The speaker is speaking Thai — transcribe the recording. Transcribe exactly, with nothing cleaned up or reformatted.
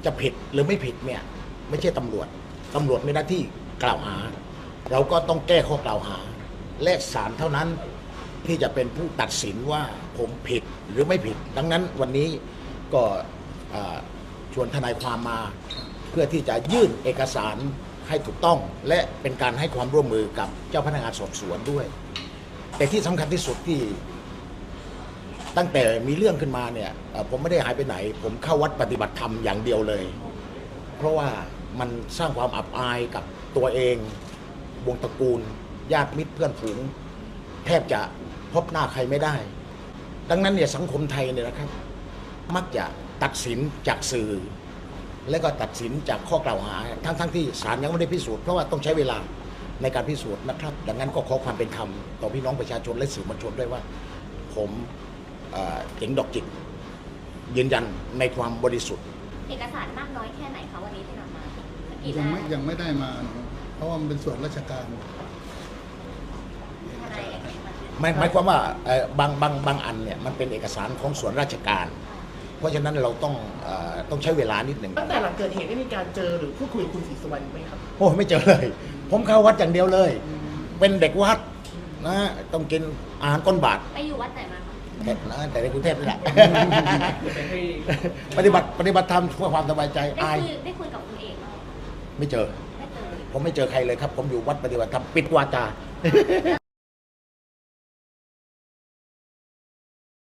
จะผิดหรือไม่ผิดเนี่ยไม่ใช่ตำรวจตำรวจมีหน้าที่กล่าวหาเราก็ต้องแก้ข้อกล่าวหาและศาลเท่านั้นที่จะเป็นผู้ตัดสินว่าผมผิดหรือไม่ผิดดังนั้นวันนี้ก็ชวนทนายความมาเพื่อที่จะยื่นเอกสารให้ถูกต้องและเป็นการให้ความร่วมมือกับเจ้าพนักงานสอบสวนด้วยแต่ที่สำคัญที่สุดที่ตั้งแต่มีเรื่องขึ้นมาเนี่ยผมไม่ได้หายไปไหนผมเข้าวัดปฏิบัติธรรมอย่างเดียวเลยเพราะว่ามันสร้างความอับอายกับตัวเองวงตระกูลญาติมิตรเพื่อนฝูงแทบจะพบหน้าใครไม่ได้ดังนั้นเนี่ยสังคมไทยเนี่ยนะครับมักจะตัดสินจากสื่อและก็ตัดสินจากข้อกล่าวหาทั้งๆ ท, ที่ศาลยังไม่ได้พิสูจน์เพราะว่าต้องใช้เวลาในการพิสูจน์นะครับดังนั้นก็ขอความเป็นธรรมต่อพี่น้องประชาชนและสื่อมวลชนด้วยว่าผมเจ๋งดอกจิกยืนยันในความบริสุทธิ์เอกสารมากน้อยแค่ไหนคะวันนี้ที่นำมายังไม่ยังไม่ได้มาเพราะว่ามันเป็นส่วนราชการหมายหมายความว่าบางบางบางอันเนี่ยมันเป็นเอกสารของส่วนราชการเพราะฉะนั้นเราต้องเอ่อต้องใช้เวลานิดหนึ่งตั้งแต่หลังเกิดเหตุได้มีการเจอหรือพูดคุยกับคุณศรีสุวรรณไหมครับโอ้ไม่เจอเลยผมเข้าวัดอย่างเดียวเลยเป็นเด็กวัดนะต้องกินอาหารก้นบาทไปอยู่วัดไหนมาแต่นะแต่ในกรุงเทพนี่แหละปฏิบัติปฏิบัติธรรมเพื่อความสบายใจอายได้คุยกับคุณเอกไหมไม่เจอผมไม่เจอใครเลยครับผมอยู่วัดปฏิบัติธรรมปิดวาจา